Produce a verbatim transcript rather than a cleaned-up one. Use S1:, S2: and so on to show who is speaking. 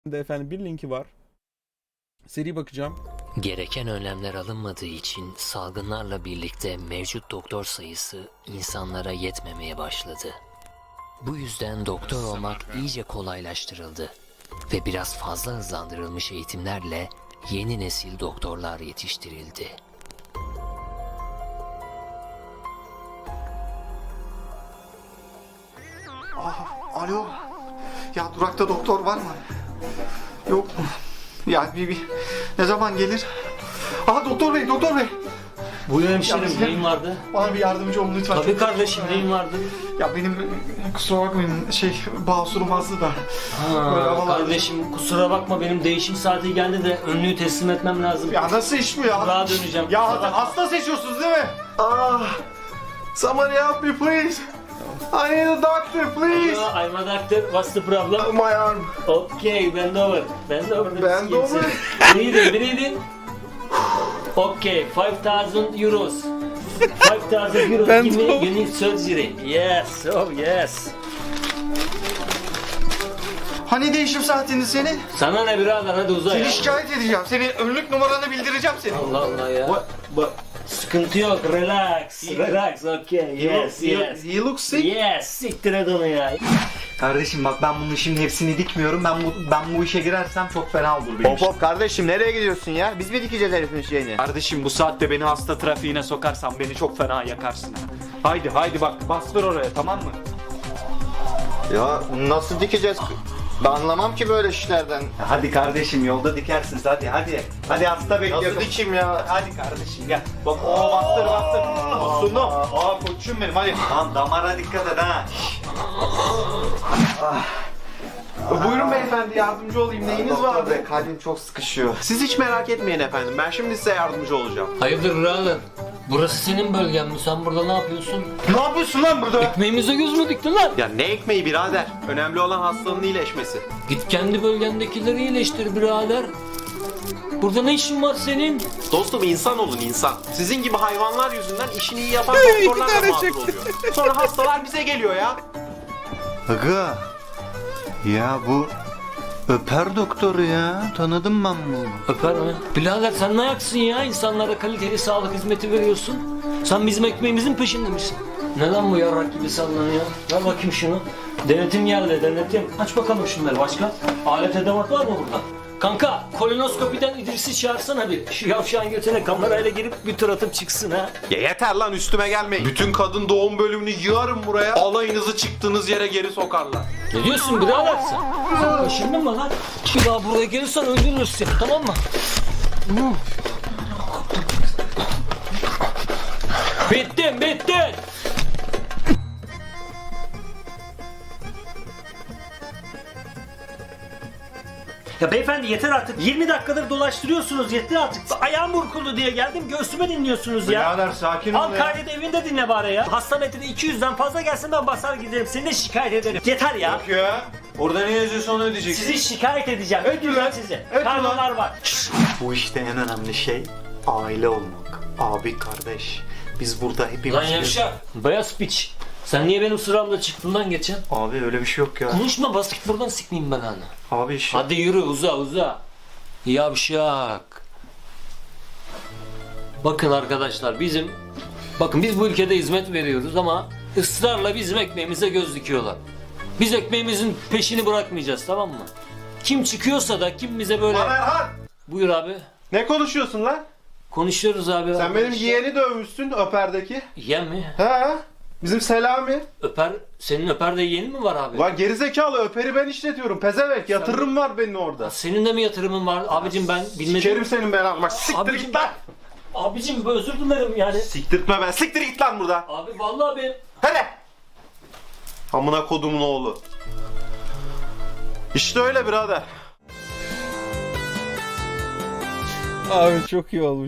S1: de efendim bir linki var. Seri bakacağım.
S2: Gereken önlemler alınmadığı için salgınlarla birlikte mevcut doktor sayısı insanlara yetmemeye başladı. Bu yüzden doktor olmak iyice kolaylaştırıldı ve biraz fazla hızlandırılmış eğitimlerle yeni nesil doktorlar yetiştirildi.
S3: Aa, alo. Ya durakta doktor var mı? Yok mu? Ya bir, bir ne zaman gelir? Aha doktor bey, doktor bey.
S4: Buyur
S3: Ya
S4: hemşerim,
S3: bizim-
S4: neyin vardı?
S3: Bana bir yardımcı olun lütfen.
S4: Tabii
S3: Çok-
S4: kardeşim, neyin vardı?
S3: Ya benim kusura bakmayın şey basurum azdı da. Böyle
S4: Ha,
S3: havalar-
S4: kardeşim kusura bakma, benim değişim saati geldi de önlüğü teslim etmem lazım.
S3: Ya nasıl iş bu ya?
S4: Daha döneceğim.
S3: Ya
S4: Kusura bakma.
S3: hasta seçiyorsunuz değil mi? Ah. Somebody help me please. I need a doctor please.
S4: Hello, I'm a doctor. What's the problem?
S3: My arm.
S4: Okay, bend over. Bend over.
S3: Bend over?
S4: Breathe in, breathe in. Okay, five thousand euros. five thousand euros.
S1: Bend
S4: Give me,
S1: over.
S4: you need surgery. Yes, oh yes.
S3: Hani değişim saatindi senin?
S4: Sana ne birader, hadi uza ya.
S3: Seni şikayet edeceğim. Senin önlük numaranı bildireceğim senin.
S4: Allah Allah ya.
S3: What? What?
S4: Sıkıntı yok, relax. Relax, okay, yes, yes.
S3: He looks sick.
S4: Yes, siktir et onu ya.
S3: Kardeşim bak ben bunun şimdi hepsini dikmiyorum. Ben bu ben bu işe girersem çok fena olur benim
S5: Hop hop kardeşim nereye gidiyorsun ya? Biz mi dikeceğiz herifin şeyini?
S6: Kardeşim bu saatte beni hasta trafiğine sokarsan beni çok fena yakarsın. Haydi haydi bak bastır oraya, tamam mı?
S5: Ya nasıl dikeceğiz? Ben anlamam ki böyle işlerden.
S3: Hadi kardeşim yolda dikersiniz hadi hadi. Hadi hasta bekliyor.
S5: Nasıl dikeyim ya?
S3: Hadi kardeşim gel. Bak o bastır bastır. Tosunum. Aa koçum benim hadi. Tamam damara dikkat et ha.
S5: Buyurun beyefendi yardımcı olayım. Neyiniz var be? Kalbim çok sıkışıyor.
S7: Siz hiç merak etmeyin efendim. Ben şimdi size yardımcı olacağım.
S4: Hayırdır birader? Burası senin bölgen mi? Sen burada ne yapıyorsun?
S3: Ne yapıyorsun lan burada?
S4: Ekmeğimize göz mü diktin lan?
S7: Ya ne ekmeği birader? Önemli olan hastanın iyileşmesi.
S4: Git kendi bölgendekileri iyileştir birader. Burada ne işin var senin?
S7: Dostum insan olun insan. Sizin gibi hayvanlar yüzünden işini iyi yapan
S1: İki
S7: doktorlar da
S1: tane
S7: mağdur
S1: çekti.
S7: oluyor. Sonra hastalar bize geliyor ya.
S8: Aga, ya bu öper doktoru ya. Tanıdım ben bunu.
S4: Öper mi? Birader sen ne ayaksın ya? İnsanlara kaliteli sağlık hizmeti veriyorsun. Sen bizim ekmeğimizin peşinde misin? Ne lan bu yarrak gibi sallanıyor? Ver bakayım şunu. Denetim geldi, denetim. Aç bakalım şunları başka. Alet edevat var mı burada? Kanka, kolonoskopiden İdris'i çağırsana bir. Şu yavşağın götüne kamerayla girip bir tur atıp çıksın ha.
S7: Ya yeter lan üstüme gelmeyin. Bütün kadın doğum bölümünü yığarım buraya. Alayınızı çıktığınız yere geri sokarlar.
S4: Ne diyorsun birader sen? Sen kaşındın mı lan? Bir daha buraya gelirsen öldürürüz seni, tamam mı? Bittin, bittin! Ya beyefendi yeter artık. yirmi dakikadır dolaştırıyorsunuz, yeter artık. Ayağım burkuldu diye geldim, göğsüme dinliyorsunuz ya.
S3: Birader sakin ol
S4: Al
S3: ya.
S4: kaydet evinde dinle bari ya. Hasta metri iki yüzden fazla gelsin ben basar giderim. Seni de şikayet ederim. Yeter ya.
S3: Yok ya. Orada ne yazıyorsa onu ödeyeceksin.
S4: Sizi şikayet edeceğim.
S3: Et ulan.
S4: sizi.
S3: Et ulan.
S4: Kanunlar var.
S8: Bu işte en önemli şey aile olmak. Abi kardeş. Biz burada hepimiz...
S4: Lan yavşak. Beyaz piç. Sen niye benim sıramda çıktın lan geçen?
S8: Abi öyle bir şey yok ya.
S4: Konuşma bas git buradan sikmeyeyim ben anı.
S8: Abi işte.
S4: Hadi yürü uza uza. Yavşak. Bakın arkadaşlar bizim bakın biz bu ülkede hizmet veriyoruz ama ısrarla bizim ekmeğimize göz dikiyorlar. Biz ekmeğimizin peşini bırakmayacağız, tamam mı? Kim çıkıyorsa da kim bize böyle...
S7: Lan Erhan!
S4: Buyur abi.
S7: Ne konuşuyorsun lan?
S4: Konuşuyoruz abi.
S7: Sen benim yeğeni dövmüşsün Öper'deki.
S4: Yeğen mi?
S7: He? Bizim Selami.
S4: Öper, senin Öper de yeğeni mi var abi?
S7: Lan gerizekalı Öper'i ben işletiyorum. Pezevenk yatırım var benim orada.
S4: Senin de mi yatırımın var? Abicim ben bilmedim.
S7: Sikerim senin belanı. Bak siktir
S4: Abicim
S7: git lan.
S4: Abicim özür dilerim yani.
S7: Siktirtme ben. Siktir git lan buradan.
S4: Abi vallahi ben...
S7: Hadi. Amına kodumun oğlu. İşte öyle birader.
S1: Abi çok iyi olmuş.